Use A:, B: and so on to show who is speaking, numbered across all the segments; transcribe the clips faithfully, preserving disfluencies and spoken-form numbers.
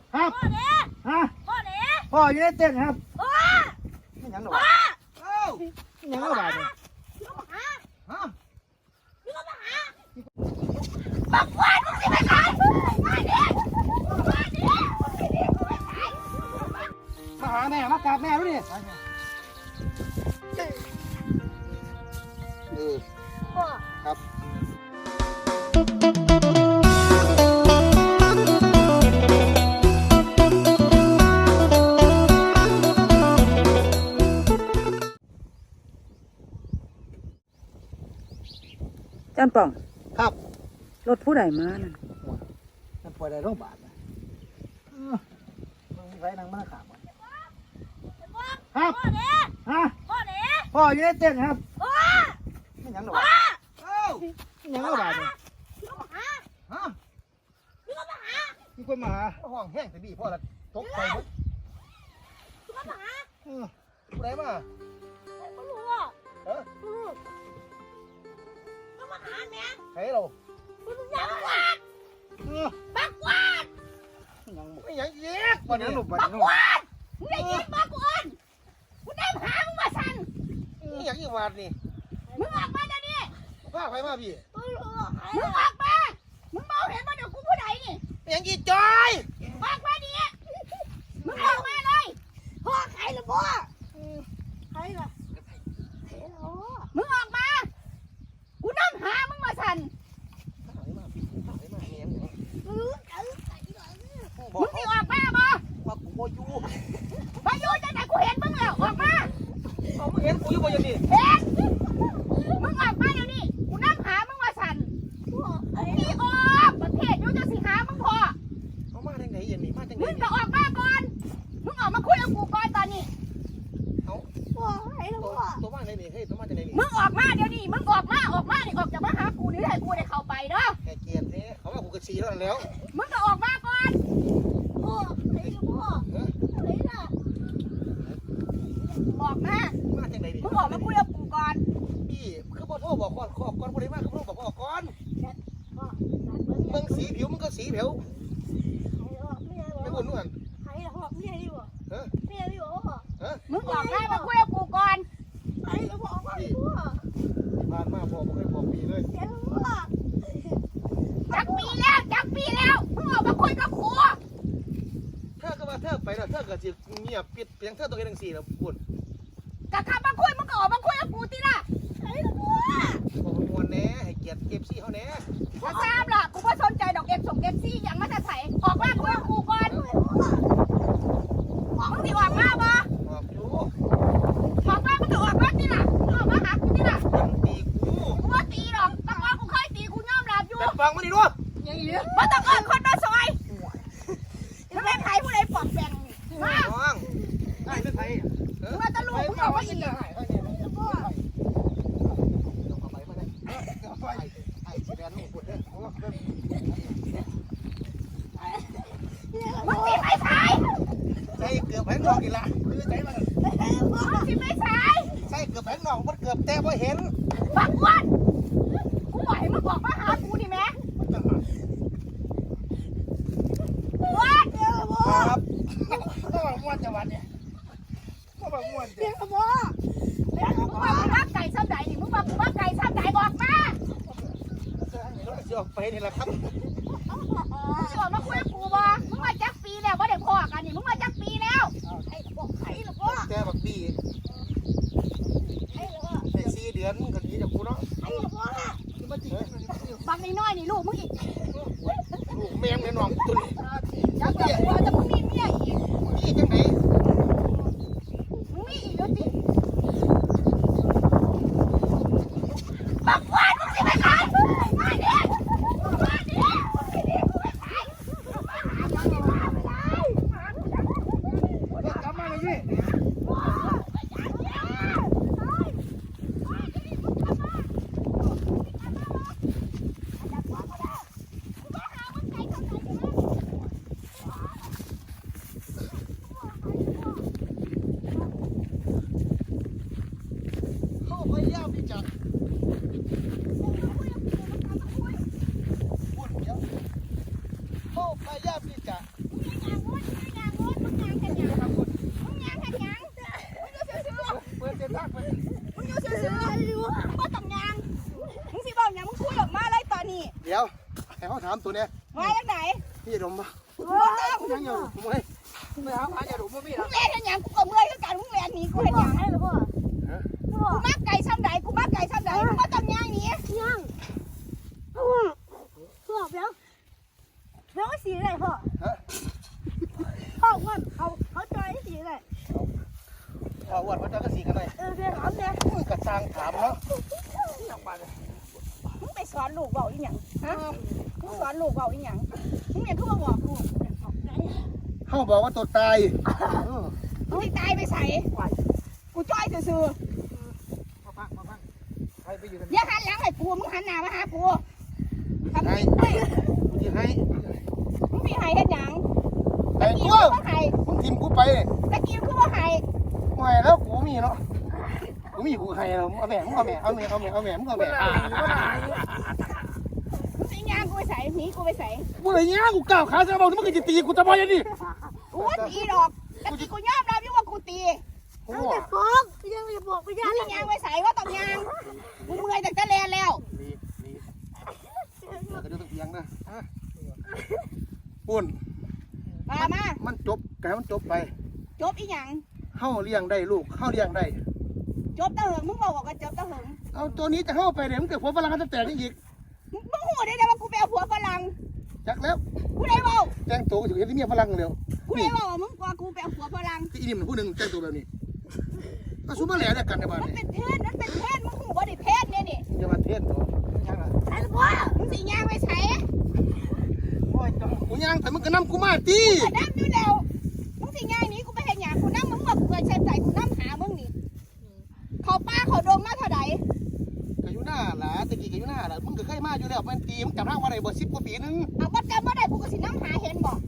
A: ครับ
B: พ่อเนี่ย
A: ฮะ
B: พ่อเนี่ย
A: พ่ออยู่ในเต็นท์ครับ
B: พ่อ
A: ไม่ยังหรอก
B: พ่อ
A: เอ้าไม่ยังหรอกเนี่ย
B: ลูกมาหา
A: ฮะ
B: ลูกมาหาบักวันมึงสิไปขายมาเนี่ยมาเนี่ยมึงสิไปขาย
A: มาหาแม่มากราบแม่ดูดิเออ
B: พ่อ
A: ครับ
C: จานป่อง
A: ครับ
C: รถผู้ใดมานั่น
A: มันปล่อยได้โรงพยาบาลนะเออมึงมีไว้นั่งมาขาบวะครับ
B: พ่อเนี่ย
A: ฮะ
B: พ่อเนี่ย
A: พ่ออยู่ในเต็นท์ครับ
B: พ่อ
A: ไม่ยังหรอก
B: พ่อ
A: เอ้าไม่ยังหรอกเนี่ย
B: ลูกมาหา
A: ฮะ
B: ลูกมาหา
A: มีคนมาหาห้องแห้งแต่ดีพ่อละตกใจหมด
B: ลูกมาหา
A: เออผู้ใดมา
B: ไม่รู้อ่ะ
A: เออ
B: ลูกมาหาแม่
A: ใครเรา
B: ลูกยังวาด
A: เออ
B: บักวาด
A: ไม่ยังไม่ยังเย็กวันนี้หนุบวัน
B: บัก
A: นี้
B: วาดมึงได้ยินบักวาดกูได้หามึงมาสั่น
A: นี่ยังอีวาดนี่
B: มึงออกมาเดี๋ยวนี้
A: พาใครมาพี่
B: มึงออกมา มึงมองเห็นมาเดี๋ยวกูผู้ใดนี่
A: ยังอีจอย
B: ออกมาดิมึงออกมาเลยพ่อใครล่ะพ่อใครล่ะมึงออกมา กูนั่งหามึงมาสั่น
A: พาใครมาพี่พาใครมาเนี่ย
B: มึง
A: บอ
B: มึ
A: ก
B: งสิออกมาบ่
A: ว่ากูบ่อยู่
B: มาอยู่จังไหนกูเห็นมึงแล้วออกมา
A: เอามึงเห็นกูอยู่บ่ยังนี่
B: เห็นมึงออกมาเดี๋ยวนี้กูนั่งหามึงมาสั่นมึงสิออกประเทศอยู่จะสิหามึงพอ
A: เอามาทางไหนยังนี่มาทางไหน
B: มึงก็ออกมาก่อน มึงออกมาคุยกับกูก่อนตอนนี้
A: เอา
B: พ่อไอ้ลู
A: ตัว
B: กพ่อ
A: ตัวมาทางไหนเฮ้ยตัวมาทางไหนนี่
B: มึงออกมาเดี๋ยวนี้ มึงออกมา ออกมานี่ออกจากมาหากูนี่ให้กูได้เข้าไปเด้อ
A: แกเกียรติเนี่ยเขาว่ากูกระชีแล้วแล้ว
B: มึงก็ออกมาก่อนพ่อไอ้ลูกพ่อไอ้ล่ะออกมา
A: มาทางไหนดิ
B: มึงออกมาคุยกับกูก่อน
A: พี่คือบ่โทรบอกก่อนขอบก่อนบ่ได้มาคือบ่บอกบอกก่อน
B: พ่อ
A: มึงสีผิวมึงก็สีผิวไม่บ่นนู่น
B: ใครล่ะพ่อเมียดิบ่
A: เออ
B: เมียดิบ่พ่อ
A: เออ
B: มึงออกมามาคุยกับกูก่อนไอ้ลูกพ่อพ่อพ่อ
A: ผ่านมาพ่อบ่เคยบอกพี่เลย
B: เดี๋ยวพ่อจักปีแล้วจักปีแล้ว มึงออกมาคุยกับกู
A: เธอก็ว่าเธอไปแล้วเธอก็สิเงียบปิดเพียงเธอตัวเองจังซี่แล้วพูด
B: กะขับมาคุยมึงก็ออกมาคุยกับกูติล่ะไอ้ลูกพ่อ
A: บอกมวนแน่ให้เกียรติ เอฟ ซี เฮาแน่
B: ถ้าทราบล่ะกูก็สนใจดอกเอ็มส่งเอ็มซี่อย่างมาจะใส่ออกมาคุยกับกูก่อนมึงสิออกมาบ่
A: บอกอยู่
B: ออกมามึงจะออกมาติล่ะมึงออกมาหากูติล่ะ
A: มันตีกู
B: กูว่าตีดอกตะกอนกูเคยตีกูยอมรับอยู่
A: แต่ฟังมาดิดู
B: มาตะกอนคนมาซอยแล้วแม่ไผ่ผู้ใดปลอมแปลงมา
A: น้องได้เป็นไผเออ
B: มึงมาตะลุกมึงเอาไว้อีก
A: ได้เอาเนี่ยเอาไปมาได้เอาไปไอ้สิแดนลูกพูดเด้อเอาว่าเด้อ
B: มึงตีไม่ใช่
A: ใส่เกือบแผงนอกอีกละคือใจมัน
B: มึงตีไม่ใช่
A: ใส่เกือบแผงนอกมันเกือบแต่บ่เห็น
B: บักวันกูบอกให้มึงบอกมาหากูดิแม่วัดเดี๋ยวพ่อ
A: ครับต้องมาม่วนจังหวัดเนี่ยต้องมาม่วน
B: เดี๋
A: เด้
B: ย
A: อ
B: วพ่อเดี๋ยวมึงมามึงรักไก่ซ้ำใดนี่มึงมามึงรักไก่ซ้ำใดออกมา
A: สิออกไปนี่ล่ะครับ
B: มึงชวนมาคุยกับกูบ่มึงมาจักปีแล้วว่าเด็กพ่อกันนี่มึงมาจักปีแล้วไอ้ละพ่อไอ้ละพ่อ
A: แต่บักบี้
B: ไอ้ละพ่อ
A: ได้สี่เดือนก็หนีจากกูเนาะ
B: ไอ้ละพ่อ
A: มาจริง
B: บางน้อยๆนี่ลูกมึงอีก
A: ลูกแมงแม่น้องตุน
B: จักเดี๋ยวพ่อจะมึงมีเมียอีก
A: นี่จังไหน
B: มึงมีอีกแล้วสิบักวันมึงสิไปขายมาดิมาดิไปขายมาหาเงินมาไปเลย
A: กลับมาเลยพี่ เขาพยายามที่จะพูดเดี๋ยวเขาพยายามที่จะเปิดเต็มทักไป
B: มึงอยู่ซื่อๆมึงบ่ต้องยางมึงสิบอกหยังมึงคุยออกมาเลยตอนนี้
A: เดี๋ยวให้เขาถามตัวเนี้ย
B: มาจากไหน
A: พี่ดมปะ
B: บ่ต้อง
A: ยังอยู่ผมไม่ไม่หาพาอย่าดมไม่มีหร
B: มึ
A: อก
B: งเล่นกันหยังกูก็เมื่อยคือกันมึงเล่นหนีกูเห็นหยังให้หรือเปล่ากูมักไก่ซ้ำใดกูมักไก่ซ้ำใดมึงบ่ต้องย่างหนีย่างพ่อพ่อเปียวเปียวสีอะไรพ่อ
A: ฮะ
B: พ่อว่าเขาเขาจอยสีอะไร
A: พอวัดพระเจ้าก็สีกันเลย
B: เออเดี๋ยวถามเนี่ย
A: กระซังถามเนาะ
B: มึงไปสอนลูกเบาอีหยังฮะมึงสอนลูกเบาอีหยังมึงเนี่ยคือมาบอกลูก
A: เขาบอกว่าตัวตาย
B: มึงสิตายไปใส่กูจ้อยซื่อ
A: มาพักมาพักใครไปอยู่กัน
B: ๆอย่าหันหลังให้กูมึงหันหน้ามาหากูทำไม
A: ที่ให้
B: มึงมีไห้เฮ็ดหยัง
A: แต่
B: ตะกี้
A: กู
B: คือว่าไห้
A: มึงทิมกูไป
B: ตะกี้คือว่าไห้
A: ไม่แล้วกูมีเนาะกูมีกูให้เราเอาแม่มึงเอาแม่เอาแม่เอาแม่เอาแม่มึงเอาแม่
B: มึงสิย่างกูไปใส่หนีกูไปใส่
A: กูเลยเงี้ยกูก้าวขาจะบอกมึงจะตีกูจะบอกยังดิ
B: กูว่าตีดอกตะกี้กูยอมรับอยู่ว่ากูตี
A: โอ้
B: ฟ้องยังจะบอกกูย่างมึงย่างไปใส่ว่าต้องย่างมึงเมื่อยตั้งแต่แลนแล้ว
A: รีบรีบเดี๋ยวก็จะต้องเอียงนะปุ่น
B: มามา
A: มันจบแกมันจบไป
B: จบอีหยัง
A: เข้าเลี้ยงได้ลูกเข้าเลี้ยงได้
B: จบตะเหิงมึงบอกว่าจบตะเหิง
A: เอาตัวนี้จะเข้าไปเดี๋ยวมันเกิดหัวฝรั่งจะแตกนี่อีก
B: มึงมึงหูได้ไงว่ากูไปเอาผัวฝรั่ง
A: จักแล้ว
B: กูได้บอก
A: แจ้งตัวก็ถึงเห็นที่เมียฝรั่งเร็ว
B: กูได้บอกว่ามึงกว่ากูไปเอาผัวฝรั่ง
A: ที่อีนี่มันผู้หนึ่งแจ้งตัวแบบนี้ก็ซุปเปอร์แหล่เนี่ยกันในบ้าน
B: มัน
A: นี่
B: เป็นเพศมันเป็นเพศมึงหูว่าได้เพศเนี่ยนี่
A: อย่ามาเทศตัวยังไง
B: ไอ้ลูกพ่อมึงสิย่างไปใส่
A: โอ้ยกูย่างแต่มึงก็นำกูมาตี
B: กูน้ำอยู่แล้วมึงสิย่างหนี้กูไปเห็นหยังกูน้ำมึงว่ากูเคยใช้ใจกูน้ำหามึงนี่เขาป้าเขาดงมาเท่าไหร่
A: ก็อยู่หน้าหล่ะตะกี้ก็อยู่หน้าหล่ะมึงก็เคยมาอยู่แล้วมันตีมึงจำได้ว่าอะไรบ่สิบกว่าปีนึง
B: เอาวัดกันว่าได้กูก็สิน้ำหาเห็นบอก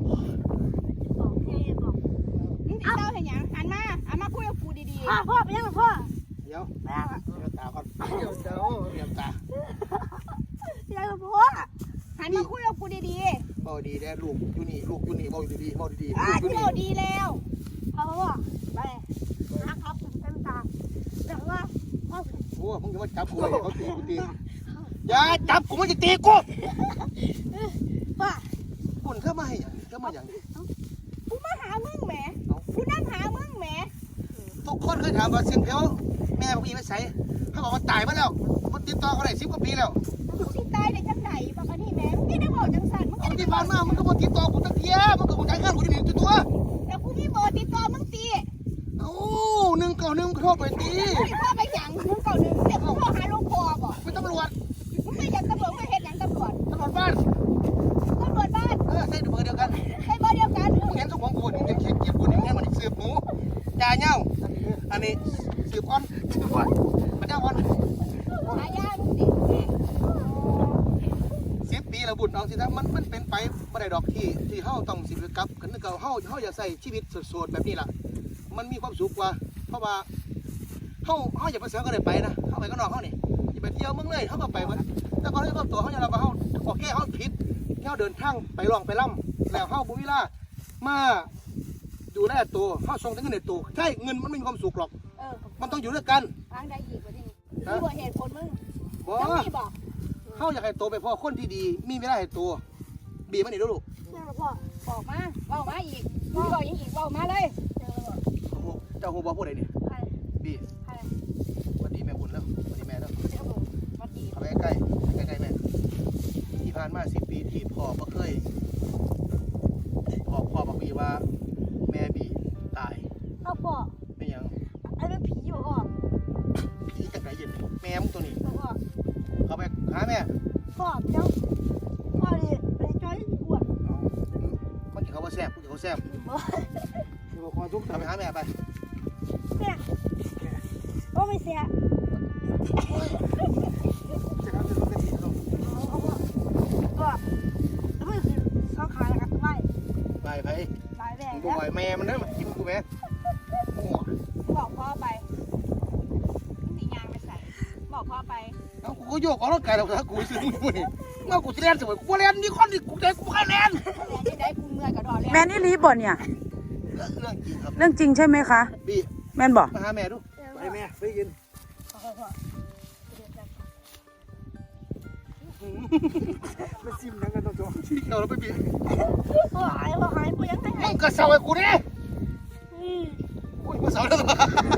B: มึงติดเต้าเห็นหยังหันมาหันมาคุยกับกูดีๆพ่อพ่อไปยังกับพ่อ
A: เดี๋ยวเดี๋ยวตาก่อนเดี๋ยวเดี๋ยวเดี๋ยวตา
B: ยังกับพ่อหันมาคุยกับกูดีๆ
A: เบาดีแน่ลูกอยู่นี่ลูกอยู่นี่เบาอยู่ดีๆเบาดีๆ
B: อ่า
A: ลูกอยู่
B: เที่
A: นี่
B: ยวดีแล้วพ่อพ่อไปนะครับเต็มตาแต่ว่าพ่อ
A: โอ้มึงจะมาจับกูเลยเขาตีกูตีอย่าจับกูมันจะตีกู
B: พ่อ
A: ปุ่นเข้ามาให้หยังเข้ามาอย่าง
B: กูมาหามึงแหมกูนั่งหามึงแหม
A: ทุกคนเคยถามว่าเสียงเพลวแม่พี่ไปใส่เขาบอกว่าตายมาแล้วมันติดต่อเขาได้สิบกว่าปีแล้ว
B: มึงสิตายได้จังไหนบอกอันนี้แหมมึงไม่ได้บอกจังสันมึง
A: เอา
B: ไม่ได้
A: ที่ผ่านมามันก็บอกติดต่อกูตั้งเทียมันก็บอกใช้เงินกูที่นี่ตัว
B: แต่กูมีเบอร์ติดต่อมึงตี
A: เอ้าหนึ่งเก่าหนึ่งโทรไปตี
B: มึงพ่อไปหยังมึงเก่าหนึ่งเดี๋ยวมึงพ่อหาลูกพ่อบอก
A: เป็นตำรวจ
B: มึงไม่อยากตำรวจมึงเห็นหยังตำรวจ
A: ตำรวจบ้าน
B: ตำรวจบ้าน
A: เออใช่เบอร์เดียวกัน
B: ใช้เบอร์เดียวกัน
A: มึงเห็นสมองกูนี่มึงยังเขียนเกียบกูนี่แม่มันสืบหมูจ่าเน่าอันนี้สืบอ่อนสืบอ่อนมันเน่าอ่อน
B: หายามึงสิ
A: สิบปีแล้วบุญเอาสินะมันมันเป็นไปไม่ได้ดอกที่ที่เฮาต้องสิบกับกันนึกเอาเฮาเฮาอย่าใส่ชีวิตโสดๆแบบนี้ล่ะมันมีความสุขกว่าเพราะว่าเฮาเฮาอย่าไปเสือก็ได้ไปนะเฮาไปก็นอกเฮานี่อย่าไปเที่ยวเมืองเลยเฮาก็ไปหมดแต่ก่อนที่เฮาตัวเฮาอย่าเราว่าเฮาโอเคเฮาผิดเฮาเดินทางไปล่องไปล่ำแล้วเฮาบ่มีเวลามาดูแลตัวเฮาส่งแต่เงินในตัวใช่เงินมันไม่มีความสุขหรอก
B: เออ
A: มันต้องอยู่ด้วยกัน
B: ทางใดอีกวะนี่มีบ่เหตุผลมึง
A: บ่
B: ต้องมีบอก
A: เฮาอยากให้ตัวไปพ่อคนที่ดีมีเวลาให้ตัวบีมันนี่ลูก
B: พ่อบอกมาเว้ามาอีกมึงบอกยังอีกเว้ามาเลย
A: เจ้าหูบอกพูดอะไรเนี่ย
B: ใคร
A: บี
B: ใคร
A: วันดีแม่บุญแล้ววันดีแม่แล้ว
B: เจ้าหนูมาดี
A: เข้าไปใกล้ใกล้ใกล้แม่ที่ผ่านมาสิบปีที่พ่อบ่เคยพ่อพ่อบอกบีว่าแม่บีตาย
B: เอาพ่อ
A: ไม่ยัง
B: ไอ้เป็นผีอยู่พ่อ
A: ผีจากไหนเย็นแม่มึงตัวนี้
B: พ่อ
A: เข้าไปหาแม่
B: พ่อเจ้าพ่อดิไอ้จอยอ้วน
A: มันจะเขาว่าแซ่บกูจะเขาแซ่บบอกความทุกข์ทำไปหาแม่ไป
B: แม่โอ้ไม่เสีย
A: จะทำจะรู้กันดีลูก
B: เอาพ่อก็ไม่คือเขาขายกันไม่
A: ไปไป
B: หลายแบ
A: มึ
B: บ
A: งบอกว่าแม่มันเด้อมากินกูแม่โอ้
B: บอกพ่อไปสียางไปใส่บอกพ่อไป
A: เอากูก็โยกออกร่างกายแล้วถ้ากูซื้อมึงนี่เมื่อกูจะเล่นสมัยกูเล่นนี่คนนี่กูใจกูแค่เล่น
B: ที่ได้กูเมื่อยกับดอแล้ว
C: ม่นอีหลีบ่เนี่ย
A: เรื่องจริงครับ
C: เรื่องจริงใช่ไหมคะ
A: บี
C: แม่นบ่
A: มาหาแม่ดูไปแม่ไปกินมาซิมนังกันตัวที่เราแล้วไปบี
B: พ่อหายพ่อหายพ่อยังไง
A: มึงก็เศร้าไอ้กูเนี่ยอุ้ยมาสอนแล้ว
B: พ่อ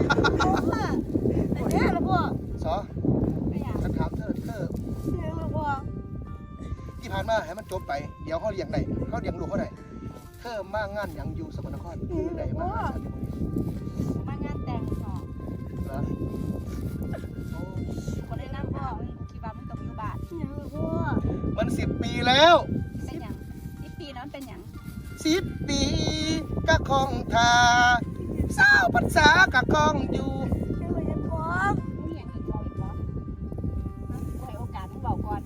B: แต่เนี่ยละพ่อ
A: สอ
B: ไม่อยาก
A: ฉันถามเธอเธอ
B: เนี่ยละพ่อ
A: ที่ผ่านมาให้มันจบไปเดี๋ยวเขาเลี้ยงได้เขาเลี้ยงลูกเขาได้เธอมางานอย่างอยู่สกลนครคือได้มาหาฉันอยู่
B: มางานแต่งพ่อ
A: เหรอโอ้
B: คนได้นั่งพ่อมึงกูคิดว่ามึงต้องอยู่บ้านเนี่ยละพ่อ
A: มันสิบปีแล้ว
B: เป็นหยังที่ปีนั้นเป็นหยัง
A: สิบปีกะคองทาสาวภาษากะคองอยู่
B: ไม่ว่าจะพ่อมึงอย่างนี้บอกอีกเหรอกูให้โอกาสมึงบอกก่อน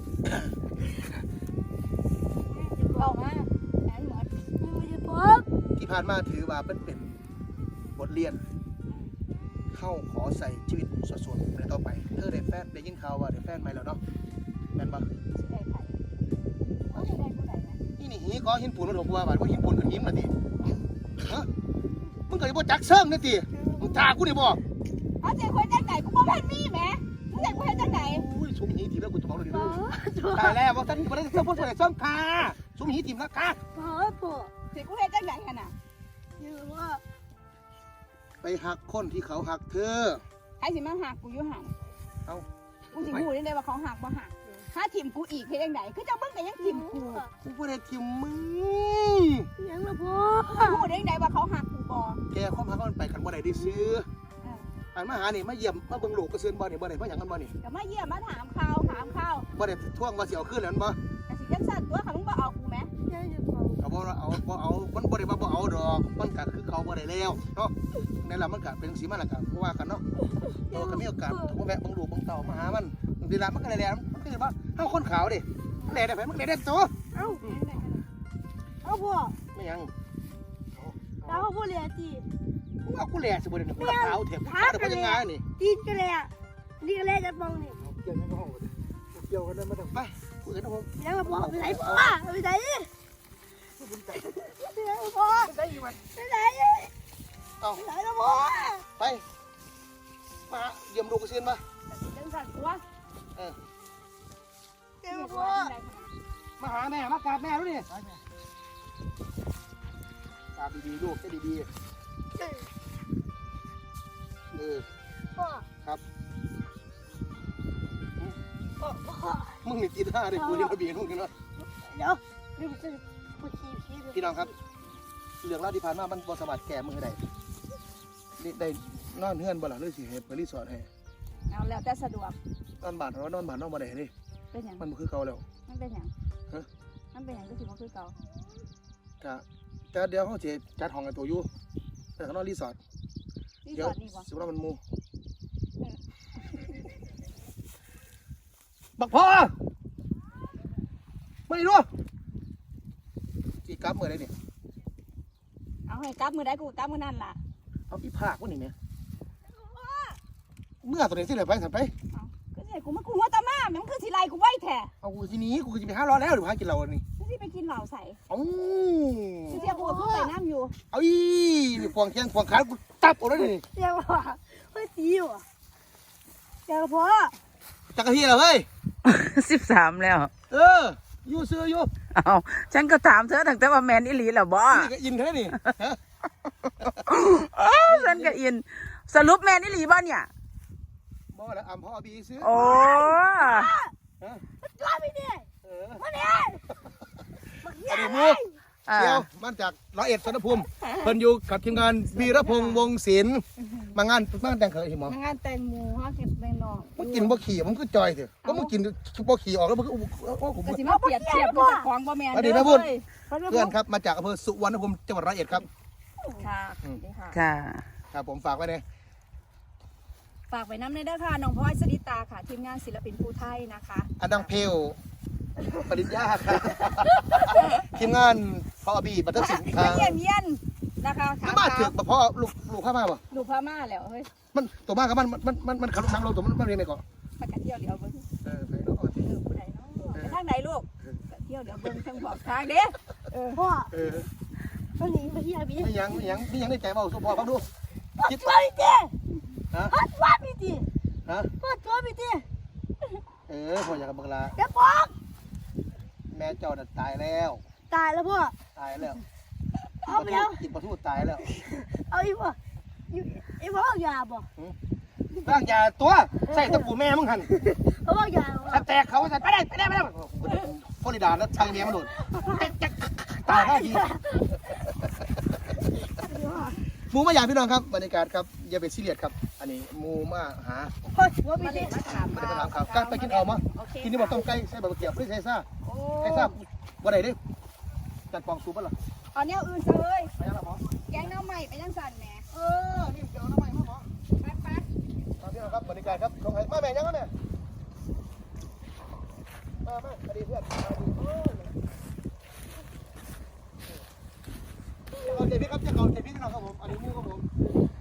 B: บอกมาแอนหมดไม่ว่าจะพ่อ
A: ที่ผ่านมาถือว่าเป็นเป็นบทเรียน เข้าขอใส่ชีวิตส่วนๆในต่อไป เธอได้แฟนได้ยินข่าวว่าได้แฟนใหม่แล้วเนาะแม่นปะ
B: สิได้ไผว่าสิได้ผู้ใดไหม
A: นี่นี่หีก็หินปูนมันถูกว่าบาดว่าหินปูนกับหินน่ะติฮะมึงก็จะบ่จักเซิงนี่ติมึงถากูนี่บ่
B: เอาใจคนจังไหนกูบ่เป็นมีแหมมึงอยากกูเฮ็ดจังไหน
A: อุ้ยสุมหีทีแล้วกูจะบอกเลยดิตายแล้วว่าท่านบ่ได้เซิงบ่ได้เซิงค่ะสุมหีทีมแล้วค่ะ
B: พ่อพ่อสิกูเฮ็ดจังไหนกันน่ะยือว่า
A: ไปหักคนที่เขาหักเธอ
B: ใครสิมาหักกูอยู่หัน
A: เอ้า
B: กูสิฮู้ได้ว่าเขาหักบ่หักถ้าทีมกูอีกเฮ็ดจังไหนคือเจ้ามึงก็ยังทีมกู
A: กูบ่ได้ทิมมึง
B: ยังละพ่อฮู้ได้จังไดว่าเขาหักกูบ่
A: แกความหักมันไปกันบ่ได้ได้ซื้ออันมาหานี่มาเยี่ยมมาเบิ่งลูกก็ซื้อบ่นี่บ่ได้มาหยังกันบ่นี่
B: ก็มาเยี่ยมมาถามข่าวถามข่าว
A: บ่ได้ท่วงว่าสิเอาคืนแล้วบ่
B: ก็สิจังสั่นตัวค่ะมึงบ่เอากูแหม
A: ก็บ่เอาบ่เอามันบ่ได้ว่าบ่เอาดอกมันก็คือเขาบ่ได้แล้วเนาะนั่นล่ะมันก็เป็นจังซี่มาแล้วก็ว่ากันเนาะเออก็มีโอกาสบ่แวะเบิ่งลูกเบิ่งเต้ามาหามันบางทีละมันก็ได้แล้วมันคือว่าเฮาคนขาวดิมันแลได้ไผมันแลได้ตัว
B: เอ้าเอาพ่อ
A: ไม่หยัง
B: แล้วพ่อเรียนจี
A: กูเอากูแลสิบ่ได้กูละขาวแถมกูได้บ่ยังไงนี่
B: จีนกันเลยอ่ะนี่กันเลยจะมองนี่
A: เกี่ยวกันห้องเกี่ยวกันได้มาทำไปคุยกันนะผม
B: ยังละพ่อไปไหนพ่อไปไหนไปไหนพ่อ
A: ได้อยู่ไหม
B: ไปไหน
A: เอา
B: ไปไหนละพ่อ
A: ไปมาเยี่ยมลูกก็ซื้อมา
B: จังสั่นตัว
A: เออ
B: เจ้าพ่อ
A: มาหาแม่มากราบแม่รู้นี่กราบดีๆลูกให้ดีๆเออ
B: พ่อ
A: ครับ
B: พ่อพ่อ
A: มึงนี่กินห้าได้กูนี่มาเบียดมึงกันเนาะ
B: เดี๋ยวนี่มันจะพูดขี้ขี้
A: พี่น้องครับเรื่องราวที่ผ่านมามันบอสบัดแก่มือได้นี่ได้นอนเฮือนบ่ล่ะหรือสิให้ไปรีสอร์ทให้
B: เอาแล้วแต่สะดวก
A: นอนบ้านเรานอนบ้านนอนบ่ได้นี่
B: เป็นอย่าง
A: มันบ่คือเก่าแล้ว
B: มันเป็นอย่าง
A: ฮะ
B: มันเป็นอย่างก็ถือว่าคือเก่า
A: ก็แต่เดี๋ยวเขาจะจัดห้องกันตัวอยู่แต่เขานอนรีสอร์ท
B: ที่
A: เดี๋
B: ส
A: ยว
B: อนนี่วะ
A: สิว่ามันหมูบักพ่อไม่รู้จีกลับเมื่อไรนี่
B: เอาให้กลับมือได้กูกลับมือนั่นล่ะ
A: เอาพี่ภาควันนี้ไหมเมื่อตัวไหนสิเลยไปสั่นไป
B: เอาก็ใช่กูมากูหัวตามามันคือสิไลกูไว้แท้
A: เอากูทีนี้กูจะไปห้าร้อยแล้วหรือพากินเราอันนี้
B: คือสิไปกินเหล้าใส่
A: เอ้า
B: คือเสียกูก็ไปน้ำอยู่
A: เอาอีนี่ควงแข้งควงขากูตับเอาเลยนี่
B: เจ้าพ่อเฮ้ยตีอยู่เจ้าพ่อ
A: จักรที่เหรอเฮ้ย
C: สิบสามแล้ว
A: เอออยู่เสืออยู่
C: เอาฉันก็ถามเธอตั้งแต่ว่าแม่นอีหลีแล้วบ่
A: นี่ก็อินเท่านี่ฮะ
C: เอ้าฉันก็อิน สรุปแม่นอีหลีบ่เนี่ย
A: บ่แล้วอ่ำพ่อบีซื้อ
C: โอ้
A: ฮะ
B: จ้าไปดิ
A: เออ
B: มาเนี่ยมา
A: อ
B: เนี่ย
A: ดีตมู
C: อ่า
A: เชียวมาจากร้อยเอ็ดสนภูมิเพิ่นอยู่กับทีมงานวีรพงษ์วงศิลป์มางานมางานแต่งเคยเห็นหมอ
B: งานแต่งหมูฮะเก็บแมงนอง
A: มึงกินบ่ขี่มึงก็จอยเถอะก็มึงกินบ่ขี่ออกแล้วมึงก็โอ้ผม
B: ก็สิมาเปรียบเทียบกับของบ่แม่น
A: สวัสดีนะพุ่นเพื่อนครับมาจากอำเภอสุวรรณภูมิจังหวัดร้อยเอ็ดครับ
B: ค่ะดีค่ะ
C: ค่ะ
A: ครับผมฝากไว้เลย
B: ฝากไว้น้ำในเด้อค่ะน้องพลอยสริตาค่ะ ทีมงานศิลปินภูไทยนะคะ
A: อันดังเพลปริญญาครับทีมงานพ่อบีบัตเตอร์สินค
B: มา
A: รับ
B: เยี่ยมเยี่ยนนะคะ
A: ไม่มาถึกบ่พ่อลูกลูกข้ามาบ่
B: ดูพม่าแล้วเฮ้ย
A: มันตัวมากครับมันมันมันมันขับรถน้ำลงตัวมันมันเรียนไหนก่อน
B: มากันเที่ยวเดี๋ยวเบิ่ง
A: เออไปเนาะ
B: เออผู้ใดเนาะไปทางไหนลูกเที่ยวเดี๋ยวเบิ่งทางบอกทางเด้อเออพ่อ
A: เออ
B: ไปตัวนี้มาเฮียพี่
A: ไม่ยังไม่ยังไม่ยังได้ใจเบาสุพอฟังดู
B: คิดว่าพี่ตี
A: ฮะ
B: ฮัดว่าพี่ตี
A: ฮะ
B: ฮัดว่าพี่ตี
A: เออพ่ออยากกับบังลา
B: เดี๋ยวบอก
A: แม่เจ้าน่ะตายแล้ว
B: ตายแล้วพ่อ
A: ตายแล้ว
B: เอาไปแล้ว
A: กินปลาทูตายแล้ว
B: เอาอีกพ่ออีกพ่อเอายาบ่
A: ร่างยาตัวใส่ตะปูแม่มึงหัน
B: เขาเอายา
A: ถ้าแตกเขาจะไปได้ไปได้ไปได้ฟลอริดาแล้วชังเมียมันโดนตายห้าทีหมูมาอย่างพี่น้องครับบรรยากาศครับอย่าไปซีเรียสครับ อันนี้หมูมาหา
B: เฮ้ยว่าพี่ตี
A: ไม่ได้ไปถามข่าวกล้าไปกินเอามากินนี่บอกต้มไก่ใส่ใบกระเทียมไม่ใส่ซ่าใส่ซ่าวันไหนดิจัดปองซูปะล่ะ
B: เอาแนวอื่นซะเลย
A: ไปยังล่ะหมอ
B: แกงน้ำใหม่ไปยังสั่นแหม
A: เออนี่เดี๋ยวน้ำใหม่มาหมอ
B: ไปไป
A: ครับพี่น้องครับบรรยากาศครับลงไห้มาแม่ยังครับแม่มามาอดีเพื่อนมาดีเอาเจ็บพี่ครับจะเอาเจ็บพี่น้องครับผมอันนี้มูครับผม